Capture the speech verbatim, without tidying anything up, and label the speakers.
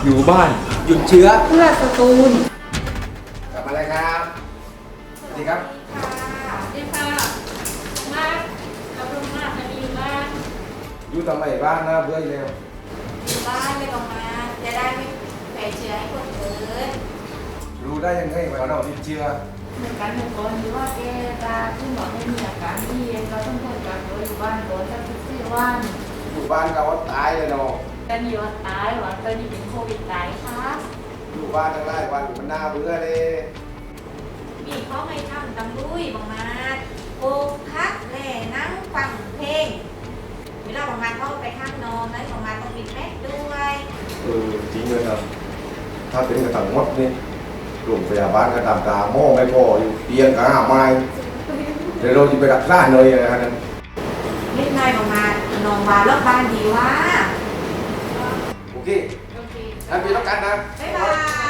Speaker 1: อยู่บ้าน
Speaker 2: หยุดเชื้อ
Speaker 3: เพื่อสตูล
Speaker 2: กลับมาเลยครับสวัสดีครับ
Speaker 3: ค่ะดีค่ะมากเราลงมากจะดีมาก
Speaker 2: อยู่ทำไมบ้านนะเบื่ออีกแล้ว
Speaker 4: อยู่บ้านไม่ต้องมาจะได้ไม่แพร่เชื้อให้คนอื่น
Speaker 2: รู้ได้ยังไงว่าเราติดเชื้อ
Speaker 3: เหมือนกันเหมือนกันที่ว่าแกตาขึ้นบอกให้มีอาการที่เราต้องทนกับตัวอยู่บ้านก่อนสักสิบสี่วัน
Speaker 2: อยู่บ้านเราก็ตายเลยเนาะ
Speaker 3: กันอยู่ว่าตายหรือตอนนี้เป็นโควิดตายค่ะ
Speaker 2: อยู่บ้านทั้งหลายวันมันน่าเบื่อเลย
Speaker 4: มีเขาให้ทำตำลุยบางมาโปกพักแหล่นั่งฟังเพลงเวลาบางมาเขาไปข้างนอนนั้นบางมาต้องปิดแมสด้วย
Speaker 2: เออจริงเลยครับถ้าเป็นกระถังมดนี่โรงพยาบาลก็ตามตาหม้อไม่พออยู่เตียงก็ห้าไม้เดี๋ยวเราจะไปรักษาเลยนะครับนั้น
Speaker 4: เล่นนายบางมานอนวาล็อกบ้านดีว่า
Speaker 2: โอเค
Speaker 4: โอเค
Speaker 2: งั้นพี่ต้องกันนะ
Speaker 4: บ๊ายบาย